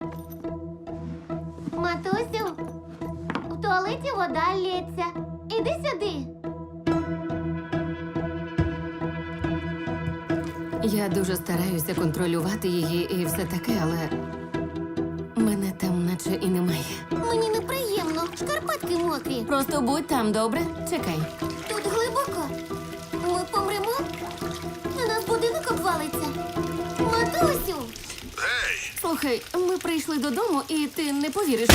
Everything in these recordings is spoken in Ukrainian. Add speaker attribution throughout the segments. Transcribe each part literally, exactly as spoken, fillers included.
Speaker 1: Матусю, в туалеті вода лється. Іди сюди.
Speaker 2: Я дуже стараюся контролювати її і все таке, але мене там наче і немає.
Speaker 1: Мені неприємно. Шкарпетки мокрі.
Speaker 2: Просто будь там, добре? Чекай.
Speaker 1: Тут глибоко. Ми помремо? На нас будинок обвалиться. Матусю!
Speaker 3: Гей!
Speaker 2: Слухай, ми прийшли додому, і ти не повіриш.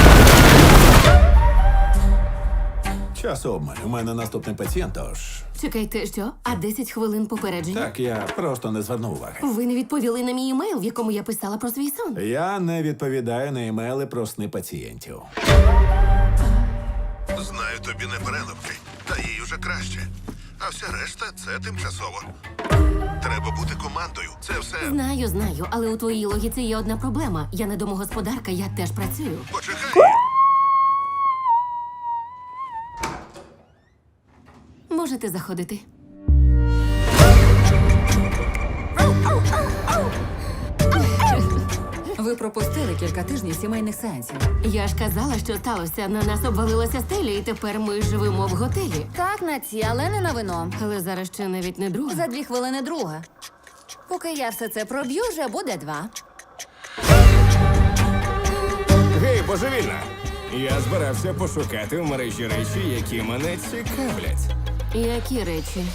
Speaker 3: Час обмаль. У мене наступний пацієнт, тож...
Speaker 2: Чекайте, що? А десять хвилин попередження?
Speaker 3: Так, я просто не звернув уваги.
Speaker 2: Ви не відповіли на мій емейл, в якому я писала про свій сон.
Speaker 3: Я не відповідаю на імейли про сни пацієнтів.
Speaker 4: Знаю, тобі не переливки, та їй уже краще. А вся решта – це тимчасово. Треба бути командою. Це все...
Speaker 2: Знаю, знаю, але у твоїй логіці є одна проблема. Я не домогосподарка, я теж працюю.
Speaker 4: Почекай!
Speaker 2: Можете заходити.
Speaker 5: Ви пропустили кілька тижнів сімейних сеансів.
Speaker 2: Я ж казала, що сталося. На нас обвалилася стеля, і тепер ми живемо в готелі.
Speaker 5: Так, на ці, але не на вино.
Speaker 2: Але зараз ще навіть не друга.
Speaker 5: За дві хвилини друга. Поки я все це проб'ю, вже буде два.
Speaker 6: Гей, божевільна! Я збирався пошукати в мережі речі, які мене цікавлять.
Speaker 2: Які речі?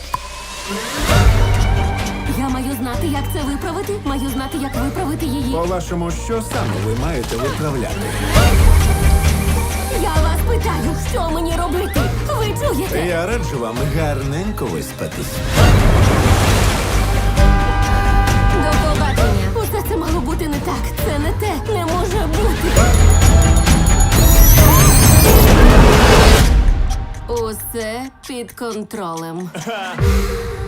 Speaker 2: Я маю знати, як це виправити. Маю знати, як виправити її.
Speaker 3: По-вашому, що саме ви маєте виправляти?
Speaker 2: Я вас питаю, що мені робити? Ви чуєте?
Speaker 3: Я раджу вам гарненько виспатись.
Speaker 2: До побачення. Усе це мало бути не так. Це не те. Не може бути. Усе під контролем.